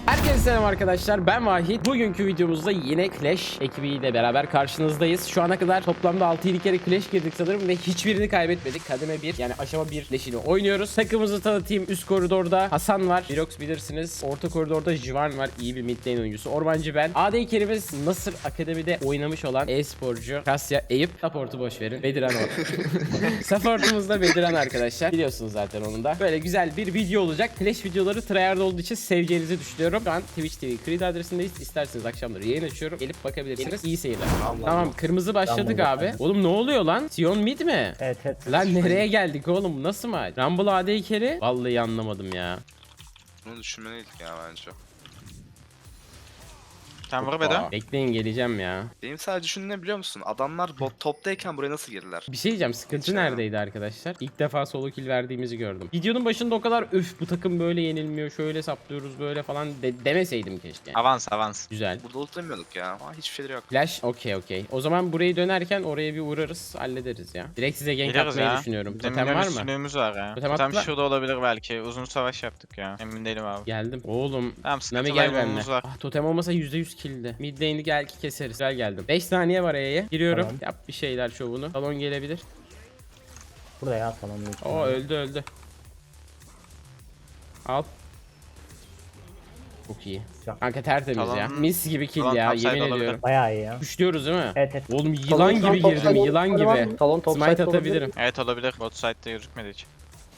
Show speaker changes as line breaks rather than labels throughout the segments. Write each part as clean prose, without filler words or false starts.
Herkese selam arkadaşlar, ben Vahit. Bugünkü videomuzda yine Clash ekibiyle beraber karşınızdayız. Şu ana kadar toplamda 6-7 kere Clash girdik sanırım ve hiçbirini kaybetmedik. Kademe 1 yani aşama 1 Clash'ini oynuyoruz. Takımımızı tanıtayım. Üst koridorda Hasan var, Jirox bilirsiniz. Orta koridorda Jivan var, iyi bir mid lane oyuncusu. Ormancı ben. AD carry'miz Nasır Akademi'de oynamış olan e-sporcu Kasya Eyüp. Support'u boş verin. Bediran o. Support'umuz da Bediran arkadaşlar. Biliyorsunuz zaten onun da. Böyle güzel bir video olacak. Clash videoları tryhard olduğu için seveceğinizi düşünüyorum. Şu an Twitch TV Creed adresindeyiz. İsterseniz akşamları yayın açıyorum. Gelip bakabilirsiniz. İyi seyirler. Tamam, kırmızı başladık abi. Oğlum ne oluyor lan? Sion mid mi?
Evet.
Lan nereye geldik oğlum? Nasıl maç? Rumble AD carry? Vallahi anlamadım ya.
Bunu düşünmeliydik ya bence.
Sen vur Bedo.
Bekleyin, geleceğim ya.
Benim sadece düşündüğüm ne biliyor musun? Adamlar bot toptayken buraya nasıl girdiler?
Bir şey diyeceğim, sıkıntı
Hiç
neredeydi arkadaşlar? İlk defa solo kill verdiğimizi gördüm. Videonun başında o kadar öf bu takım böyle yenilmiyor, şöyle saplıyoruz böyle falan demeseydim keşke.
Avans.
Güzel.
Burada ultlamıyorduk ya. Ama hiçbir şeyleri yok.
Flash okey. O zaman burayı dönerken oraya bir uğrarız, hallederiz ya. Direkt size gank
Geliriz
atmayı
ya.
düşünüyorum.
Bizim
Totem var mı?
üstünlüğümüz var ya.
Totem
Totem
atla.
şurada olabilir belki. Uzun savaş yaptık ya. Emin değilim abi.
Geldim. Oğlum.
Tamam,
Nami
sıkıntı
gel benimle.
laymanımız var.
Ah, totem olmasa %100 kill'di. Mid lane'i gel ki keseriz. Gel geldim. 5 saniye var E'ye. Giriyorum.
Tamam.
Yap bir şeyler şovunu. Salon gelebilir.
Burada ya salonun içinde.
Oo, öldü. Al. Çok iyi.
Güzel.
Kanka tertemiz
Salon-
ya. Mis gibi kill
salon
ya,
topside
yemin
olabilir.
ediyorum.
Bayağı iyi ya.
Kuşluyoruz değil mi?
Evet.
Oğlum yılan gibi girdim, yılan gibi.
Salon top
Smite atabilirim.
Evet olabilir. Bot side'de gözükmedi hiç.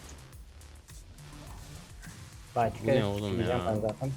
Bayağı
Bu ne oğlum
Gideceğim
ya?
ben zaten.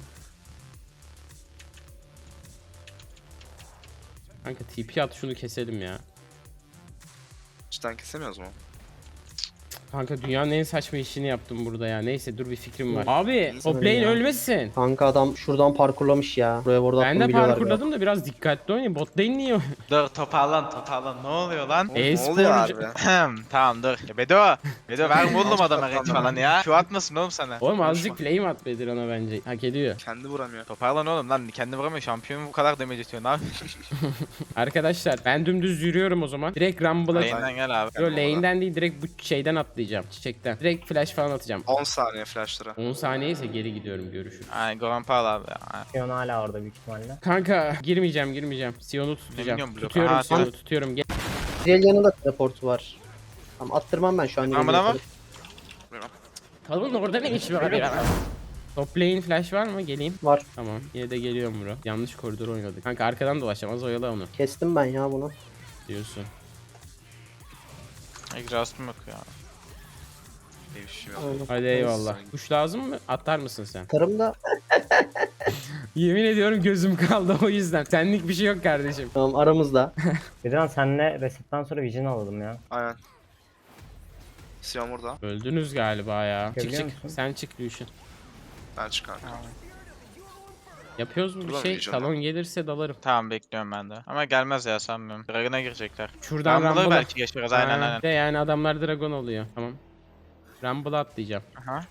Kanka TP at, şunu keselim ya.
Cidden kesemiyoruz mu?
Kanka dünyanın en saçma işini yaptım burada ya. Neyse dur, bir fikrim var. Abi top lane
ya.
ölmesin.
Kanka adam şuradan parkurlamış ya. Buraya burada
Ben de parkurladım da biraz dikkatli oynayın. Bot lane niye?
Dur toparlan. Ne oluyor lan?
Ne oluyor
E-sporcu.
abi?
Tamam dur. Ya Bedo ver buldum adama geç falan ya. Şu atmasın oğlum sana.
Oğlum azıcık flame at Bedirhan'a bence. Hak ediyor.
Kendi vuramıyor.
Toparlan oğlum lan. Kendi vuramıyor. Şampiyon bu kadar damage atıyor. Ne yapıyorsun?
Arkadaşlar ben dümdüz yürüyorum o zaman. Direkt Rumble'a...
Lane'den gel abi.
Yo, lane'den değil, direkt bu şeyden atlayacağım. Çiçekten. Direkt flash falan atacağım.
10 saniye flashlara.
10 saniye ise geri gidiyorum, görüşürüz.
Ay Goran Paul abi ya.
Sion hala orada büyük ihtimalle.
Kanka girmeyeceğim. Sion'u tutacağım.
Bilmiyorum, blok.
Tutuyorum
Aha,
Sion'u,
tamam.
tutuyorum. Gel.
Zelya'nın da teleportu var. Tamam, attırmam ben şu an.
Tamam, ama.
Kalın orada ne iş var ya? Top lane flash var mı? Geleyim.
Var.
Tamam. Yine de geliyorum bro. Yanlış koridor oynadık. Kanka arkadan dolaşacağım. Az oyala onu.
Kestim ben ya bunu.
Diyorsun.
Exhaust'um yok ya.
İyi bir şey yok.
Aynen.
Hadi eyvallah. Kuş lazım mı? Atar mısın sen?
Tarım da
Yemin ediyorum gözüm kaldı o yüzden. Senlik bir şey yok kardeşim.
tamam aramızda.
Bedirhan senle resetten sonra Vision alalım ya.
Aynen. Sion burada.
Öldünüz galiba ya. Çık
Görüyor
çık.
musun?
Sen çık Lucian.
Ben çıkar.
Yapıyoruz mu bir
Ulan
şey?
Legion'da.
Talon gelirse dalarım.
Tamam bekliyorum ben de. Ama gelmez ya sanmıyorum. Dragon'a girecekler.
Şuradan
Rumble'ı
Rumble'a.
belki geçeriz aynen.
De yani adamlar dragon oluyor. Tamam. Rumble'a atlayacağım.
Aha.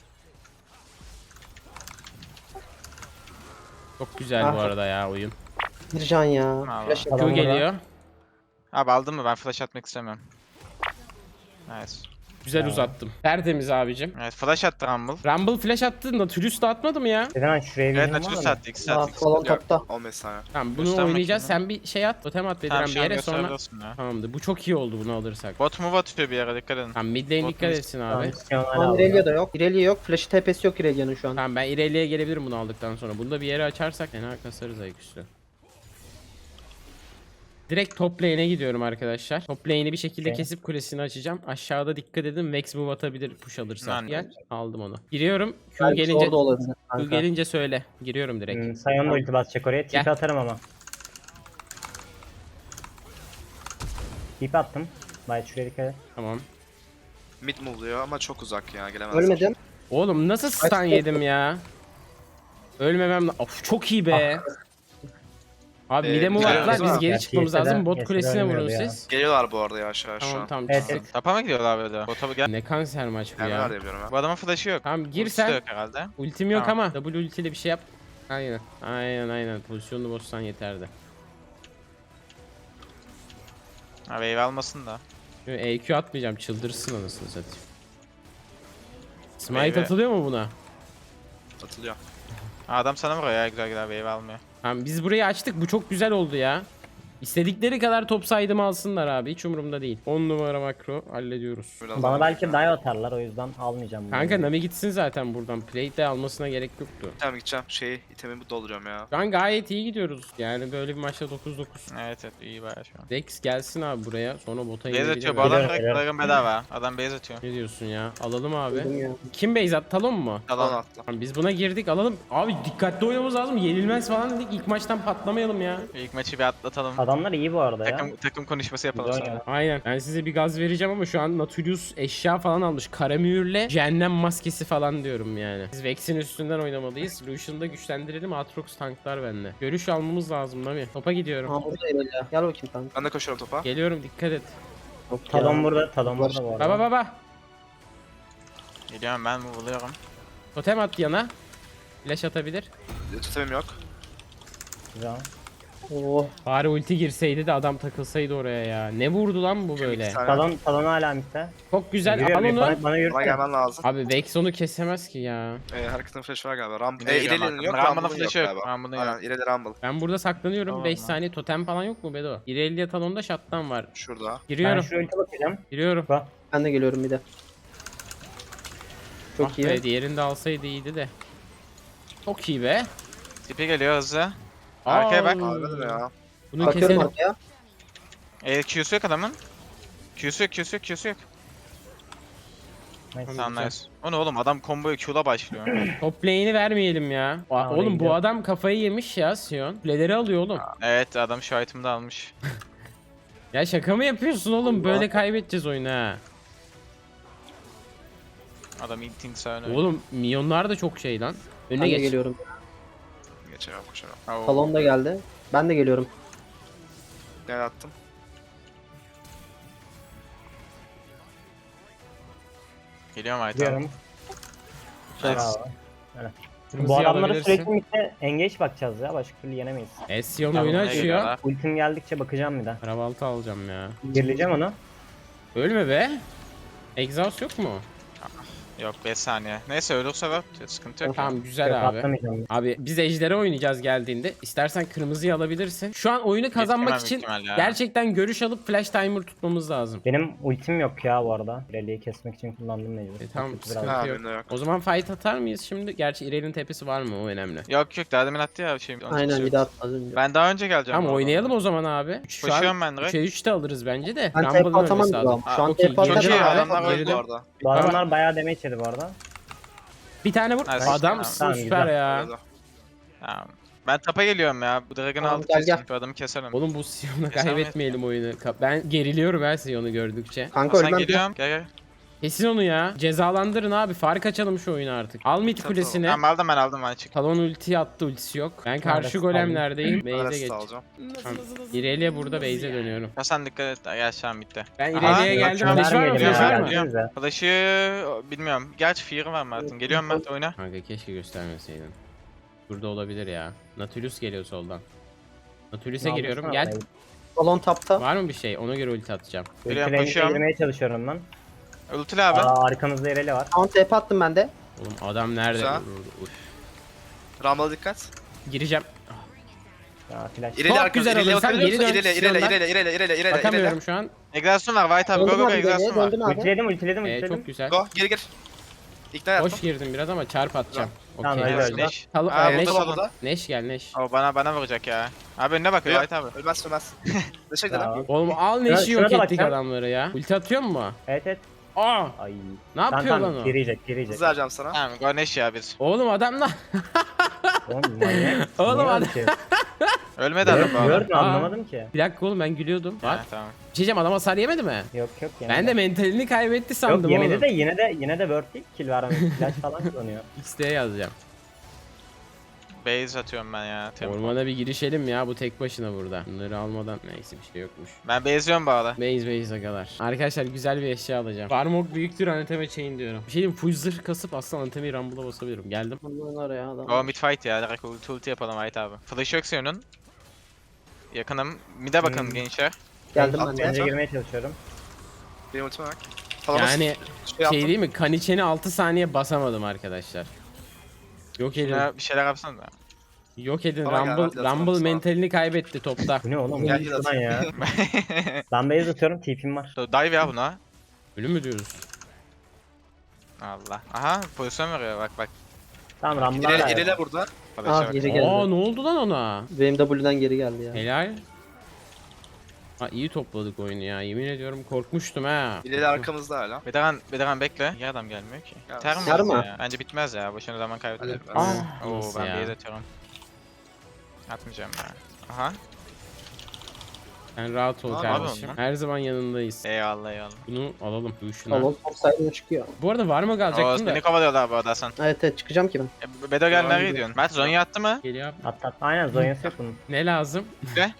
Çok güzel bu arada ya oyun.
Bir can ya.
Allah.
Flash
Q
Tamam,
geliyor.
Abi aldın mı? Ben flash atmak istemiyorum. Nice.
Güzel uzattım. Tertemiz abicim.
Evet flash attı Rumble.
Rumble flash attı. Nautilus da atmadı mı ya?
Bedirhan şuraya
Evet
Vision var
Nautilus
mı?
attı. İkisi
Aa,
attı.
salon topta.
15 saniye.
Tamam bunu
Göstermek
oynayacağız.
için
Sen bir şey at. Totem at Bediran
Tamam
bir
şu an
yere sonra.
gösterebilirsin ya.
Tamamdır. Bu çok iyi oldu bunu alırsak.
Bot move atıyor bir yere dikkat edin.
Tamam mid lane
Bot
dikkat
mid-
etsin
Tamam,
abi.
Sion hala
Şu an
orada.
Irelia da yok. Irelia yok. Flash'ı TP'si yok Irelia'nın şu an.
Tamam ben ileriye gelebilirim bunu aldıktan sonra. Bunu da bir yere açarsak fena kasarız ayaküstü. Direkt top lane'e gidiyorum arkadaşlar. Top lane'i bir şekilde
Okey.
kesip kulesini açacağım. Aşağıda dikkat edin. Vex move atabilir push alırsa.
Yani.
Gel. Aldım onu. Giriyorum. Q
Belki
gelince
orada olabilir.
Q
Kanka.
gelince söyle. Giriyorum direkt.
Sion da ulti basacak oraya.
Gel.
TP atarım ama. TP attım. Bayağı şuraya dikkat et.
Tamam.
Mid move'luyor ama çok uzak ya. Gelemez.
Ölmedim.
Oğlum nasıl stun
Kaç-
yedim ya? Ölmemem Of çok iyi be. Abi mide move
güzel
attılar. Biz
oldu.
geri
Ya,
çıkmamız
Yese'den-
lazım. Bot
Yese'den
kulesine vurun
ölmüyordu ya.
siz.
Geliyorlar bu arada yavaş yavaş şu
Tamam
an.
tamam.
Evet,
tamam.
evet.
Tapa mı gidiyorlar böyle? Bota gel.
Ne kanser maç bu
Geldiler
ya.
diye biliyorum
Bu
ya.
adamın flash'ı yok.
Tamam gir
Ultisi de
sen.
yok herhalde.
Ultim yok
Tamam.
ama double ultiyle bir şey yap. Aynen. Pozisyonunu bozsan yeterdi.
Ha wave almasın da.
Yo, EQ atmayacağım, çıldırırsın anasını satayım. Smite
Meyve.
atılıyor mu buna?
Atılıyor.
Adam sana vuruyor ya, güzel güzel wave almıyor.
Tamam biz burayı açtık. Bu çok güzel oldu ya. İstedikleri kadar top saydım alsınlar abi. Hiç umurumda değil. 10 numara makro hallediyoruz.
Biraz
Bana
daha
belki dive atarlar, o yüzden almayacağım bunu.
Kanka Nami gitsin zaten buradan. Plate de almasına gerek yoktu.
gideceğim. İtemimi dolduruyorum ya.
Şu an gayet iyi gidiyoruz. Yani böyle bir maçta 9-9.
Evet evet, iyi bayağı şu an.
Dex gelsin abi buraya. Sonra bota
Base
inebilir
atıyor
mi?
bu adam,
Geliyorum,
direkt
geliyorum.
Dragon bedava. Adam base atıyor.
Ne diyorsun ya? Alalım abi.
Dedim ya.
Kim base at? Talon mu?
Yalan attı.
Tamam, biz buna girdik alalım. Abi dikkatli oynamamız lazım. Yenilmez falan dedik. İlk maçtan patlamayalım ya.
İlk maçı bir atlatalım.
Adamlar iyi bu arada ya.
Takım konuşması yapalım
Güzel
sonra.
ya.
Aynen. Ben size bir gaz vereceğim ama şu an Nautilus eşya falan almış. Karamühürle cehennem maskesi falan diyorum yani. Biz Vex'in üstünden oynamalıyız. Lucian'ı da güçlendirelim. Aatrox tanklar bende. Görüş almamız lazım Nami. Topa gidiyorum.
Ha burada Eylül ya. Gel bakayım kanka.
Ben de koşuyorum topa.
Geliyorum dikkat et.
Yok ya.
Talon burada, Talon burada bu arada.
Baba baba.
Geliyorum ben, vuruluyorum.
Totem at yana. Flash atabilir.
Tutamım yok.
Güzel.
Oh.
Bari ulti girseydi de adam takılsaydı oraya ya. Ne vurdu lan bu böyle?
İki tane.
Talon hala midde.
Çok güzel.
Yürüyor,
Al onu.
bana
Bana
yürüsene.
gelmen lazım.
Abi Vex onu kesemez ki ya.
Herkesin flash'ı var galiba.
Bir de geliyorum
İleri'nin yok.
arkamda. Rumble'ın
Rumble'ın yok
flash'ı yok.
galiba.
Rumble'ın yok.
Aynen ileri Rumble.
Ben burada saklanıyorum.
Tamam
5
lan.
saniye totem falan yok mu Bedo? İrelia talonda shutdown var.
Şurada.
Ben
Giriyorum.
şu ulti bakacağım.
Giriyorum.
Bak.
Ben de geliyorum bir de. Çok
Ah
iyi.
be, diğerini de alsaydı iyiydi de. Çok iyi be.
Tipi geliyor hızlı. Arkaya bak.
Aa,
Abi ya.
Bunu
Bakıyorum
keselim.
arkaya.
Q'su yok adamın. Q'su yok, Q'su yok, Q'su yok.
Nice.
Tamam nice. O ne oğlum, adam combo'ya Q'la başlıyor.
Top lane'i vermeyelim ya.
Tamam,
Oğlum bu
gidiyorum.
adam kafayı yemiş ya Sion. Kuleleri alıyor oğlum.
Evet, adam şu item'ı da almış.
Ya şaka mı yapıyorsun oğlum? Böyle kaybedeceğiz oyunu ha.
Adam eating sağını.
Oğlum milyonlar da çok şey lan. Önüne
Ben de
geç.
geliyorum.
Geçemem koşamam.
Talon da geldi. Ben de geliyorum.
Ne attım?
Geliyorum item.
Gidiyorum.
Nice.
Bravo.
Kırmızıyı
Bu adamlara
alabilirsin.
sürekli midde engage bakacağız ya. Başka türlü yenemeyiz.
Sion
Tamam,
oyunu
ne
açıyor.
geliyorlar?
Ultim geldikçe bakacağım bir de.
Arabaltı alacağım ya.
Girileceğim onu.
Ölme be. Exhaust yok mu?
Yok 5 saniye. Neyse ölürse var. Sıkıntı yok.
Tamam güzel
Yok,
abi.
atlamayacağım.
Abi biz ejdere oynayacağız geldiğinde. İstersen kırmızıyı alabilirsin. Şu an oyunu kazanmak
Yetişemem
için
ihtimal ya.
gerçekten görüş alıp flash timer tutmamız lazım.
Benim ultim yok ya bu arada. Rally'yi kesmek için kullandım mecbur.
Tamam
Biraz-
sıkıntı
Ha,
yok.
benim de yok.
O zaman fight atar mıyız şimdi? Gerçi İrel'in tepesi var mı? O önemli.
Yok yok, daha demin attı ya şey.
Aynen bir de atmaz önce.
Ben daha önce geleceğim.
Tamam
bu
oynayalım
arada.
o zaman abi. Şu an
Koşuyorum ben direkt.
3'e 3 de alırız bence de.
Ben
Rumble'ın
TP atamam
ölmesi
gibi
lazım.
ama. Şu an
Çok iyi,
TP
çok
Çok iyi,
Girdim
atamam.
abi.
adamlar öldü
Girdim.
bu arada.
Bu adamlar bayağı damage yedi bu arada.
Bir tane vur.
Nice.
Adamsın
Tamam,
süper
güzel.
ya.
Öyle.
Tamam. Ben tapa geliyorum ya. Bu Dragon'ı
Tamam,
aldık
gel,
kesin.
gel.
Bu adamı keselim.
Oğlum bu Sion'u
Kesin
kaybetmeyelim oyunu. Ben geriliyorum her Sion'u gördükçe.
Kanka
Sen
ölmem.
geliyorum. Gel gel.
Kesin onu ya. Cezalandırın abi. Fark açalım şu oyunu artık. Al mid
Tamam.
kulesine.
Tamam aldım ben çık.
Talon ulti attı, ultisi yok. Ben karşı
Maalesef
golemlerdeyim.
Ben
Base'e
rest
geç.
alacağım.
Tamam. İrelia burada base'e dönüyorum.
Ya sen dikkat et. Gel şu an bitti.
Ben
Aha,
İrelia'ya geldim.
yok,
Flash var mı?
Vermeyelim
Flash
ya,
var mı?
Biliyorum.
gelsenize.
Flash'ı bilmiyorum. Gerçi Fear'ı var Mert'in. Geliyorum Mert oyna.
Kanka keşke göstermeseydin. Burada olabilir ya. Nautilus geliyor soldan. Nautilus'e giriyorum. Gel.
Talon tapta.
Var mı bir şey? Ona göre ulti atacağım.
Geliyorum,
Ulti
koşuyorum.
girmeye çalışıyorum ben.
Ultili abi.
Arkamızda Ireli var.
Tamam TP attım ben de.
Oğlum adam nerede?
Güzel.
Uf.
Rumble'a dikkat.
Gireceğim.
Ya flash.
İleri
Çok
arkası.
güzel
İleri
alırsan
bakabiliyor
geri
musun?
dön,
İleri
Sion'dan.
ileri.
Bakamıyorum şu an.
Egzasyon var. White abi. Go
Döndüm
go
abi
egzasyon
geriye.
var.
Döndüm abi.
Evet
Ultiledim.
çok güzel.
Go gir. İkna yaptım.
Hoş girdim biraz ama çarp atacağım.
Tamam,
Okey.
öyle
Evet,
öyle.
Neş.
Talon,
Aa,
Neş,
burada
burada.
Neş gel Neş.
O bana vuracak ya. Abi önüne bakıyor
Yok.
White abi.
Ölmez. Teşekkür ederim.
Tamam.
Oğlum al Neş'i
Şuna
yok
da
ettik
bakacağım.
adamları ya. Ulti atıyor mu?
Evet.
Aa!
Ay.
Ne yapıyor lan o?
Girecek.
Hızlı vereceğim sana.
Tamam go Neş ya biz.
Oğlum adamlar.
Oğlum manyak.
Oğlum
Niye
adam-
öyle şey?
Ölmedi adam bu arada.
Gördün
Aa.
anlamadım ki.
Bir dakika oğlum ben gülüyordum. Bak.
Ha, tamam.
Bir şey diyeceğim adam hasar yemedi mi?
Yok
Ben de mentalini kaybetti sandım
Yok yemedi
oğlum.
de yine de worth değil, kill vermedi. Flash falan kullanıyor.
X'de yazacağım.
Base atıyorum ben ya. Tempo.
Ormana bir girişelim ya bu tek başına burada. Bunları almadan neyse bir şey yokmuş.
Ben base'liyorum bu arada.
Base agalar. Arkadaşlar güzel bir eşya alacağım. Farmok büyüktür anateme chain diyorum. Bir şey diyeyim full zırh kasıp aslında anatemeyi Rumble'a basabilirim. Geldim.
Bunların oraya adam.
Go mid fight ya. Direkt ulti yapalım White abi. Flash yok senin. Yakınım. Mid'e bakın gençler.
Geldim ben
At,
de.
Bence girmeye çalışıyorum.
Benim ultime bak. Talon'a
Yani
şey yaptım.
şey değil mi? Kaniçeni 6 saniye basamadım arkadaşlar. Yok edin.
Ya bir şeyler yapsana da.
Yok edin.
Bana gel, hadi
Rumble
atalım sana.
mentalini kaybetti topta.
Bu ne oğlum?
Gel,
Bu
gel,
lan ya. Ben base atıyorum, TP'm var.
Dive ya buna.
Ölüm mü diyoruz?
Allah. Aha pozisyon veriyor bak bak.
Tamam Rumble'lar
İleri,
da
ilerle burada.
Flash'a
Ah
bak.
geri
Aa
geldi.
ne oldu lan ona?
Benim W'den geri geldi ya.
Helal. Ha iyi topladık oyunu ya. Yemin ediyorum korkmuştum ha.
İleri arkamızda hala.
Bedirhan bekle. Niye adam gelmiyor ki?
Ya,
Biter mi?
biter mi?
Ya? Bence bitmez ya. Boşuna zaman kaybedelim.
Hadi.
Ah,
Oo
nasıl
ben
ya?
bir yere atıyorum. Atmayacağım ya. Aha.
Sen rahat ol
Ne
kardeşim.
yapıyorsun lan?
Her zaman yanındayız.
Eyvallah eyvallah.
Bunu alalım. Bu şuna.
Tamam top side'ına çıkıyor.
Bu arada var mı
Oo
kalacaktım da?
seni kovalıyorlar bu arada Hasan.
Evet evet çıkacağım ki ben.
Bedo gel
Tamam,
nereye
gidiyor.
gidiyorsun? Mert Zonya attı mı?
Geliyor abi.
At. Aynen Zonya'sı yok bunun.
Ne lazım?
Ne?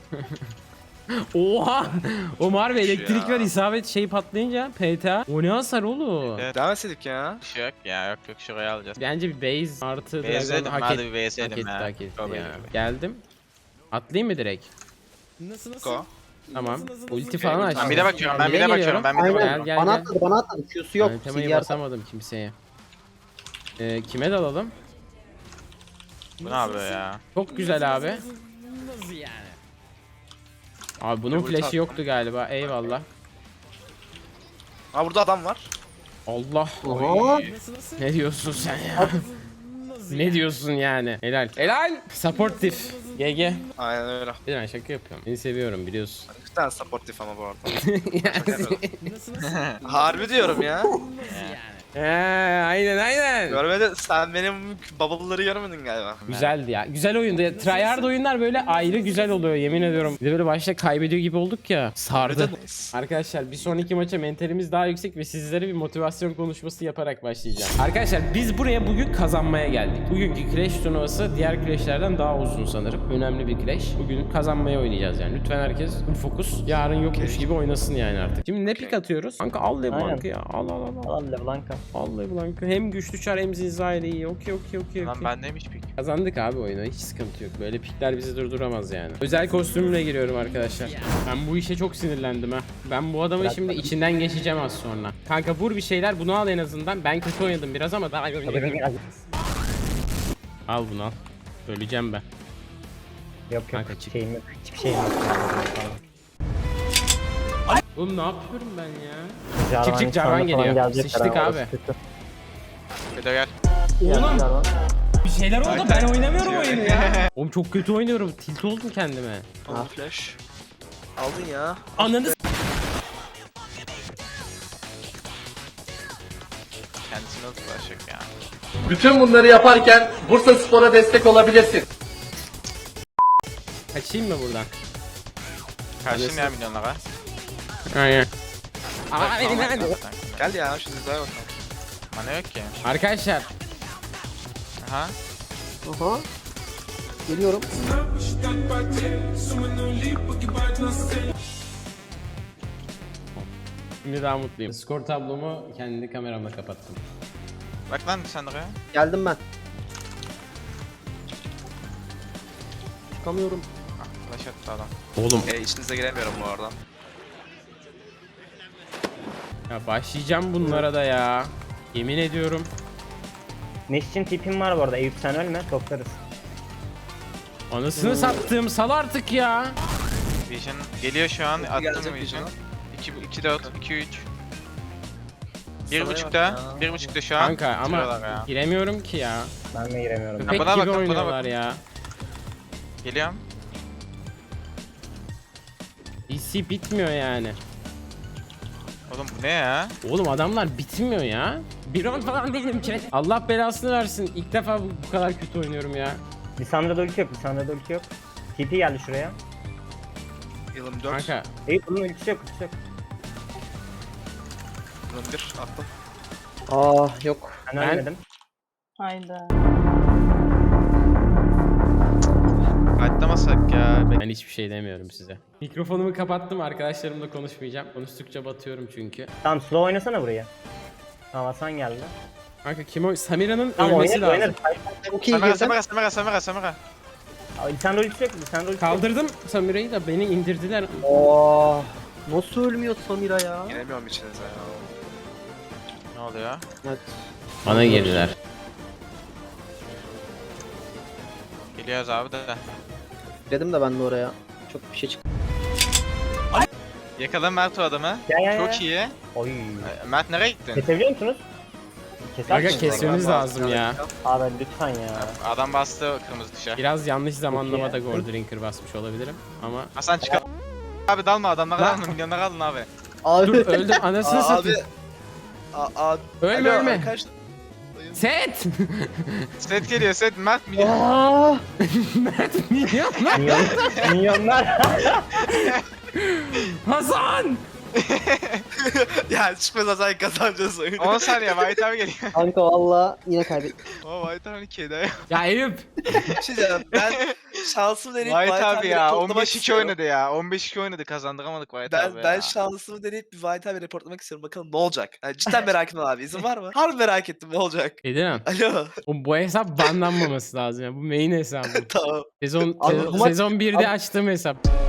Oha! O harbi
Şu
elektrik
ya.
var isabet şey patlayınca PTA. O ne hasar oğlum?
Evet.
Devam etsedik ya.
Bir şey yok ya yok şuraya alacağız.
Bence bir base artı
Base'ledim
Dragon hak
hadi
etti.
bir
Hak
base'ledim
etti,
ya.
hak etti
Go
ya.
baby.
Geldim. Atlayayım mı direkt? Nasıl
Go.
Tamam. Ulti falan açtım.
Ben bir de bakıyorum ben bir
Bire
de bakıyorum
geliyorum.
ben bir de
Aynen.
bakıyorum.
Gel,
bana
gel.
atladı bana atladı. Q'su yok.
Temayı
CDR
basamadım kimseye. Kime dalalım?
Bu ne yapıyor ya?
Çok güzel abi. Nasıl yani? Abi bunun
Ulti
flash'i
attım.
yoktu galiba. Eyvallah.
Ha burada adam var.
Allah.
Oha.
Ne diyorsun sen ya? Ne diyorsun yani? Helal. Helal. Supportive. GG.
Aynen öyle.
Bir ben şaka yapıyorum. Seni seviyorum biliyorsun.
İki tane supportif ama bu arada.
Yani-
Harbi diyorum ya.
aynen.
Görmedin sen benim bubble'ları görmedin galiba.
Güzeldi ya. Güzel oyundu. Ya, tryhard oyunlar böyle ayrı güzel oluyor yemin ediyorum. Bir de böyle başta kaybediyor gibi olduk ya. Sardı. Arkadaşlar bir sonraki maça mentalimiz daha yüksek ve sizlere bir motivasyon konuşması yaparak başlayacağım. Arkadaşlar biz buraya bugün kazanmaya geldik. Bugünkü Clash turnuvası diğer Clash'lerden daha uzun sanırım. Önemli bir Clash. Bugün kazanmaya oynayacağız yani. Lütfen herkes full fokus. Yarın yokmuş gibi oynasın yani artık. Şimdi ne pik atıyoruz? Kanka al LeBlanc'ı ya. Al.
Al LeBlanc'a.
Al LeBlanc'ı. Hem güçlü çar hem zinzayla iyi. Okey.
Lan bendeymiş pik.
Kazandık abi oyunu. Hiç sıkıntı yok. Böyle pikler bizi durduramaz yani. Özel kostümümle giriyorum arkadaşlar. Ben bu işe çok sinirlendim ha. Ben bu adamın şimdi içinden geçeceğim az sonra. Kanka vur bir şeyler bunu al en azından. Ben kötü oynadım biraz ama daha al bunu al. Öleceğim ben.
Yok
Kanka çık.
şeyim yok. Hiçbir şeyim yok.
Oğlum ne yapıyorum ben ya?
Jarvan
çık, Jarvan
insanla falan
geliyor.
gelecekler
Sıçtık
ama
abi.
orası kötü.
Bedo gel.
Oğlum
Jarvan.
bir şeyler oldu ben oynamıyorum
Bitiyor.
oyunu ya. Oğlum çok kötü oynuyorum. Tilt oldum kendime.
Alın flash. Aldın ya.
Ananı
Kendisine nasıl ulaşacak ya?
Bütün bunları yaparken Bursaspor'a destek olabilirsin.
kaçayım mı buradan?
Karşıyım ya milyonlara.
Aynen.
Gel ya şu dizaya bakalım.
Mana yok ki.
Arkadaşlar
Aha.
Aha. Geliyorum.
şimdi daha mutluyum. Skor tablomu kendi kameramla kapattım.
Bak lan sen oraya.
Geldim ben. Çıkamıyorum.
Flash attı adam.
Oğlum
İçinize giremiyorum bu arada.
ya başlayacağım bunlara da ya. Yemin ediyorum.
Neş için tipim var bu arada. Eyüp sen ölme. Toplarız.
Anasını sattığım sal artık ya.
Vision geliyor şu an. Attım
gelecek
Vision.
Vision'a.
2 4 2 3.
Sana
1.5'da.
bak ya.
1.5'da şu an.
Kanka ama
bitiriyorlar ya.
giremiyorum ki ya.
Ben de giremiyorum.
Köpek
buna
gibi
bakın, buna
oynuyorlar
bakın.
ya.
Geliyorum.
DC bitmiyor yani.
Oğlum bu ne ya?
Oğlum adamlar bitmiyor ya. Bir round falan değilim ki. Allah belasını versin. İlk defa bu kadar kötü oynuyorum ya.
Lisandra'da ulti yok. Lisandra'da ulti yok. TP geldi şuraya.
Yılım 4.
Kanka
Eyüp bunun ultisi yok. Ultisi yok.
Yılım 1 attım.
Ah yok.
Ben
Ben-
ölmedim.
Hayda.
Atlamasak ya.
ben hiçbir şey demiyorum size. Mikrofonumu kapattım arkadaşlarımla konuşmayacağım. Konuştukça batıyorum çünkü.
Tamam slow oynasana buraya. Tamam Hasan geldi.
Kanka kim o? Samira'nın
Tamam
ölmesi
oynarız
lazım.
oynarız.
Çok iyi
Samara
girdim.
Samara.
Lisandra ultisi yok. Lisandra ultisi yok.
Kaldırdım Samira'yı da beni indirdiler.
Oh. Nasıl ölmüyor Samira ya?
Giremiyorum içinize ya.
Ne oluyor?
Evet.
Bana girdiler.
Geliyoruz abi de.
Dedim de ben de oraya. Çok bir şey çıktı.
Yakala Mert o adamı.
Ya.
Çok iyi.
Oy.
Mert nereye gittin?
Kesebiliyor musunuz? Keser
Aga
misiniz?
kesmemiz lazım ya.
Abi lütfen ya.
Adam bastı kırmızı tuşa.
Biraz yanlış zamanlamada
Peki.
Goldrinker basmış olabilirim ama.
Hasan çıkar. Abi dalma adamlara dalma milyonlara alın abi.
Abi.
Dur öldüm anasını
Abi.
satayım.
Alo,
Ölme ölme.
arkadaşlar.
Set!
Set geliyor set Mert milyon.
Aa,
Mert niye lan?
Milyonlar.
Hasan!
Ya çıkmaz sen kazanacağız oyunu.
10 saniye White abi geliyor.
kanka valla yine kaybettik.
O White abi kedi.
Ya Eyüp!
Bir şey diyeceğim, ben şansımı deneyip
White abi ya
reportlamak
15-2
istiyorum.
oynadı ya. 15-2 oynadı kazandıramadık White abi ya.
Ben şansımı deneyip bir White abi reportlamak istiyorum. Bakalım ne olacak? Yani cidden merak ettim abi. İzin var mı? Harbi merak ettim ne olacak?
Edemem.
Alo.
Bu hesap banlanmaması lazım ya. Bu main hesabı.
Tamam.
Sezon
Abi bu maç-
1'de açtığım hesap.